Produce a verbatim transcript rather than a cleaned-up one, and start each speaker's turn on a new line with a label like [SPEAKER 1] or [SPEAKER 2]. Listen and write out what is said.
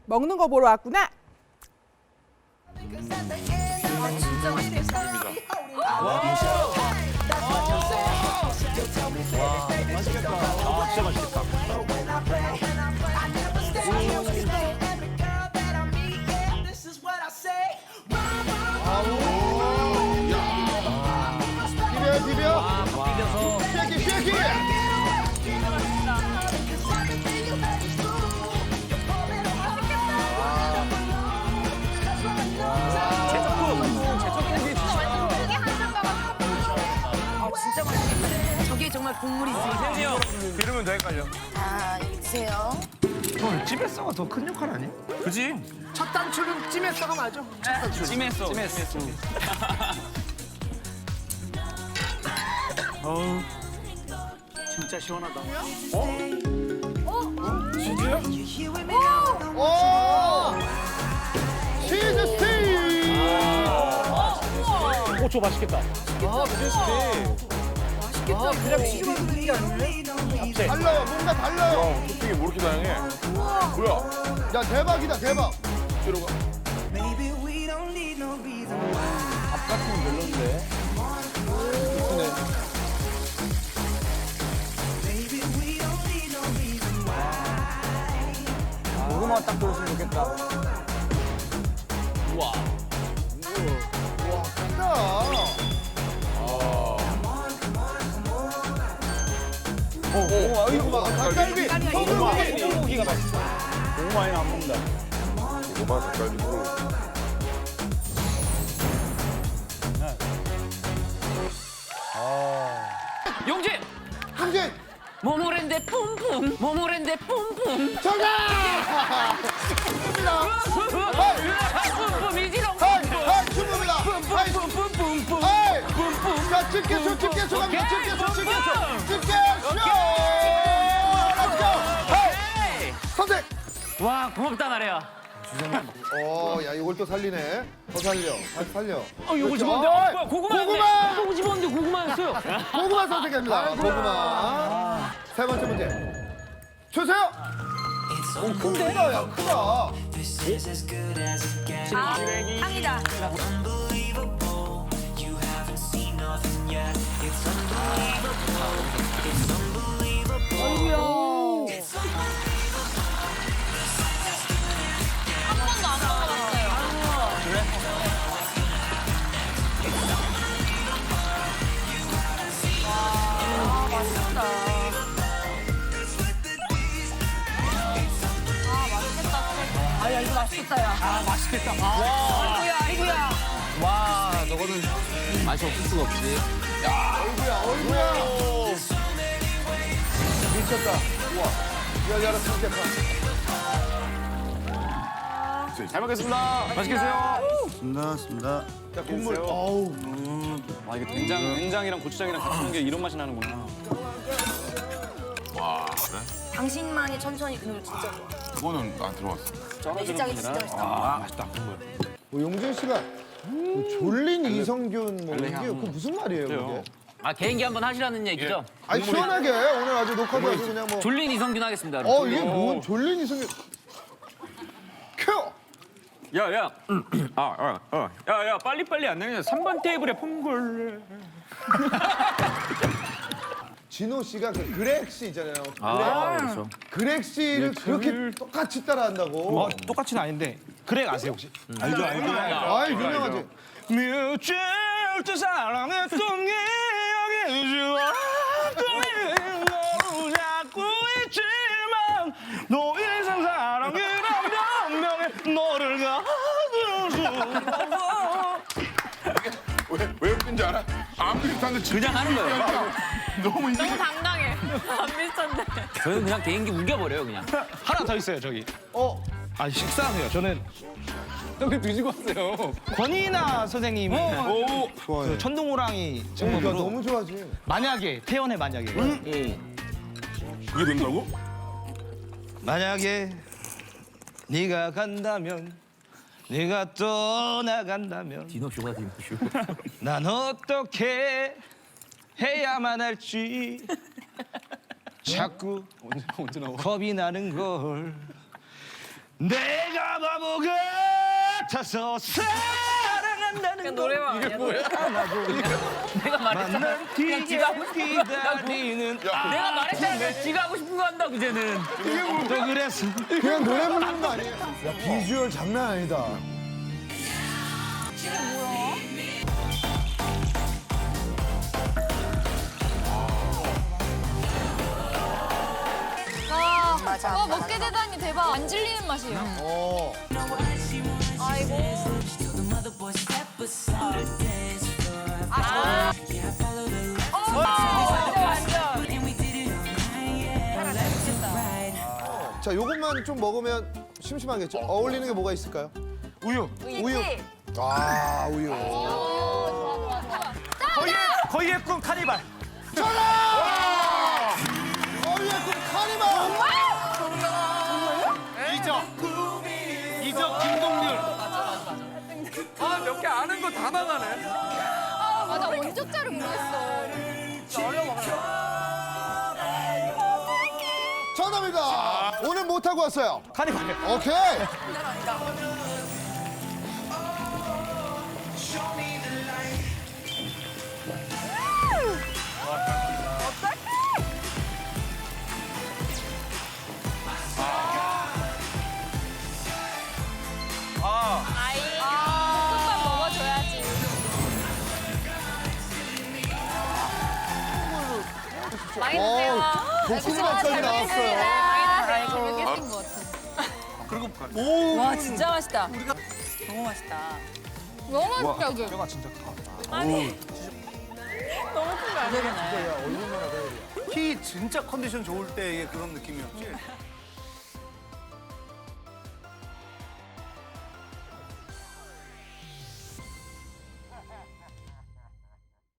[SPEAKER 1] 먹는 거 보러 왔구나.
[SPEAKER 2] 아, 진짜 맛있겠다.
[SPEAKER 3] 와, 맛있겠다. 아, 진짜 맛있겠다.
[SPEAKER 4] 비벼 비벼.
[SPEAKER 3] 아, 비벼서.
[SPEAKER 4] 쉐키 쉐키.
[SPEAKER 2] 아, 진짜 맛있겠다. 저게 정말 국물이지.
[SPEAKER 3] 세훈이 형. 비르면 되니까요.
[SPEAKER 2] 자, 여기 드세요.
[SPEAKER 5] 형 찜했어가 더 큰 역할 아니야?
[SPEAKER 3] 그지?
[SPEAKER 4] 첫 단추는 찜했어가 맞아. 첫 단추.
[SPEAKER 3] 찜했어. 찜했어. 어우. 진짜 시원하다.
[SPEAKER 4] 오. 치즈 스틱.
[SPEAKER 3] 오, 저 맛있겠다. 아, 치즈스틱.
[SPEAKER 4] 아 그냥 치즈만 넣는 게 아니네. 달라요. 뭔가 달라요.
[SPEAKER 6] 토핑이 뭐 이렇게 다양해? 뭐야?
[SPEAKER 4] 야 대박이다 대박.
[SPEAKER 6] 뒤로 가.
[SPEAKER 3] 밥 같으면 별론데. 고구마 딱 들었으면 좋겠다. 우와.
[SPEAKER 4] 와 크다.
[SPEAKER 3] 오, 오, 아이고,
[SPEAKER 4] 아, 닭갈비. 소고기.
[SPEAKER 3] 소고기가 맛있어. 고구마에는 안 먹는다.
[SPEAKER 6] 고구마 닭갈비고.
[SPEAKER 7] 용진!
[SPEAKER 4] 형진
[SPEAKER 7] 모모랜드 뿜뿜! 모모랜드 뿜뿜!
[SPEAKER 4] 정답.
[SPEAKER 7] 뿜뿜이지롱!
[SPEAKER 4] 하이 하이 춤입니다. 하이
[SPEAKER 7] 뿜뿜뿜뿜!
[SPEAKER 4] 하이.
[SPEAKER 7] 뿜뿜!
[SPEAKER 4] 자 집게쇼 집게쇼 갑니다. 집게쇼 집게쇼 집게쇼. 렛츠고. 하이. 선택.
[SPEAKER 7] 와, 고맙다, 나래야.
[SPEAKER 4] 어, 야, 이걸 또 살리네. 더 살려. 다시 살려.
[SPEAKER 7] 어, 요거
[SPEAKER 4] 그렇죠.
[SPEAKER 7] 집었는데?
[SPEAKER 4] 어,
[SPEAKER 7] 어, 뭐야, 고구마였네.
[SPEAKER 4] 고구마!
[SPEAKER 7] 요거 집었는데 고구마였어요.
[SPEAKER 4] 고구마 선택합니다. 고구마. 세 번째 문제. 주세요. 오, 크다, 야, 크다.
[SPEAKER 2] 아, 탕이다. 아, 야, 이거 맛있겠다, 야.
[SPEAKER 7] 아, 맛있겠다.
[SPEAKER 2] 아이고야, 아이고야.
[SPEAKER 7] 와, 저거는 맛이 없을 수가 없지.
[SPEAKER 4] 어이구야, 어이구야. 미쳤다. 우와. 야, 야, 진짜
[SPEAKER 3] 잘 먹겠습니다. 맛있게 드세요.
[SPEAKER 5] 습니다 습니다.
[SPEAKER 4] 자, 국물. 어우.
[SPEAKER 3] 와, 이게 된장, 된장이랑 고추장이랑 같이 넣는 게 이런 맛이 나는구나.
[SPEAKER 6] 와, 그래?
[SPEAKER 2] 당신만이 천천히 그걸 진짜 좋아.
[SPEAKER 6] 그거는 안 들어왔어.
[SPEAKER 2] 내시장이 진짜 맛있다.
[SPEAKER 3] 아, 맛있다. 국물.
[SPEAKER 4] 뭐 용진 씨가 그 졸린 이성균 뭐 이게 그 무슨 말이에요, 그게?
[SPEAKER 7] 아, 개인기 한번 하시라는 얘기죠?
[SPEAKER 4] 아니 시원하게 오늘 아주 녹화도 아주 그냥 뭐.
[SPEAKER 7] 졸린 이성균 하겠습니다.
[SPEAKER 4] 어 이게 뭔 졸린 이성균? 켜.
[SPEAKER 3] 야, 야. 아, 아, 어. 야, 야, 빨리빨리 안 되냐. 삼 번 테이블에 퐁골.
[SPEAKER 4] 진호 씨가 그 그렉 씨 있잖아요. 그렉,
[SPEAKER 7] 아, 그렇죠.
[SPEAKER 4] 그렉 씨를 그렇게 똑같이 따라한다고.
[SPEAKER 5] 뭐 똑같이는 아닌데 그렉 아세요 혹시? 알죠 알죠.
[SPEAKER 4] 아 유명하지.
[SPEAKER 5] 미칠 때 사랑했던 기억이 지워지는 너 자꾸 있지만 너 인생 사랑이란 변명에 너를 가질 수 없어.
[SPEAKER 6] 왜, 왜 웃긴지 알아? 안 비슷한데 진짜
[SPEAKER 7] 그냥 하는 거예요.
[SPEAKER 6] 너무 이상해.
[SPEAKER 2] 당당해. 안 비슷한데.
[SPEAKER 7] 저는 그냥 개인기 우겨버려요, 그냥.
[SPEAKER 5] 하나 더 있어요 저기.
[SPEAKER 4] 어
[SPEAKER 5] 아 식사하세요. 저는
[SPEAKER 3] 형님 뒤지고 왔어요.
[SPEAKER 5] 권이나 선생님이
[SPEAKER 3] 오.
[SPEAKER 5] 그 천둥호랑이
[SPEAKER 4] 그러니까
[SPEAKER 5] 장면으로
[SPEAKER 4] 너무 좋아하지.
[SPEAKER 5] 만약에 태연의 만약에
[SPEAKER 6] 그게 된다고?
[SPEAKER 5] 만약에 네가 간다면 네가 떠나간다면
[SPEAKER 7] 디노쇼가 디노쇼.
[SPEAKER 5] 난 어떻게 해야만 할지 자꾸
[SPEAKER 3] 언제, 언제 나와?
[SPEAKER 5] 겁이 나는 걸 내가 바보 같아서 사랑한다는
[SPEAKER 2] 그냥 노래방 아니야? 노래. 내가 말했잖아.
[SPEAKER 5] 만난
[SPEAKER 2] 그냥 지가 하고
[SPEAKER 5] 뒤에
[SPEAKER 2] 싶은 거 한다고.
[SPEAKER 5] 기다리는
[SPEAKER 2] 내가 말했잖아. 그냥 지가 하고 싶은 거 한다고 이제는.
[SPEAKER 5] 또 그래서
[SPEAKER 4] 그냥 노래 부르는 거 아니에요? 야, 비주얼 장난 아니다.
[SPEAKER 1] 아, 어, 먹게 되다니 대박. 안 질리는 맛이에요.
[SPEAKER 4] 어.
[SPEAKER 1] 아이고.
[SPEAKER 4] 자, 요것만 좀 먹으면 심심하겠죠? 어울리는 게 뭐가 있을까요?
[SPEAKER 5] 우유.
[SPEAKER 4] 우유. 아, 우유.
[SPEAKER 5] 거의 거의의 꿈 카니발.
[SPEAKER 4] 전화! 어이야, 그 카니발!
[SPEAKER 5] 이적. 이적 김동률.
[SPEAKER 7] 아, 몇 개 아는 거 다 나가네.
[SPEAKER 1] 아, 나 원조자를 모르겠어.
[SPEAKER 4] 정답입니다. 오늘 못 하고 왔어요.
[SPEAKER 5] 카니발.
[SPEAKER 4] 오케이.
[SPEAKER 1] 볶음밥 먹어줘야지. 많이 드세요.
[SPEAKER 4] 어, 볶음밥까지 나왔어요.
[SPEAKER 1] 많이 드세요. 모르겠던 것 같아.
[SPEAKER 2] 와 진짜 맛있다. 너무 맛있다.
[SPEAKER 1] 너무 맛있다, 여기.
[SPEAKER 2] 너무 큰거 아니야?
[SPEAKER 8] 키 진짜 컨디션 좋을 때의 그런 느낌이었지.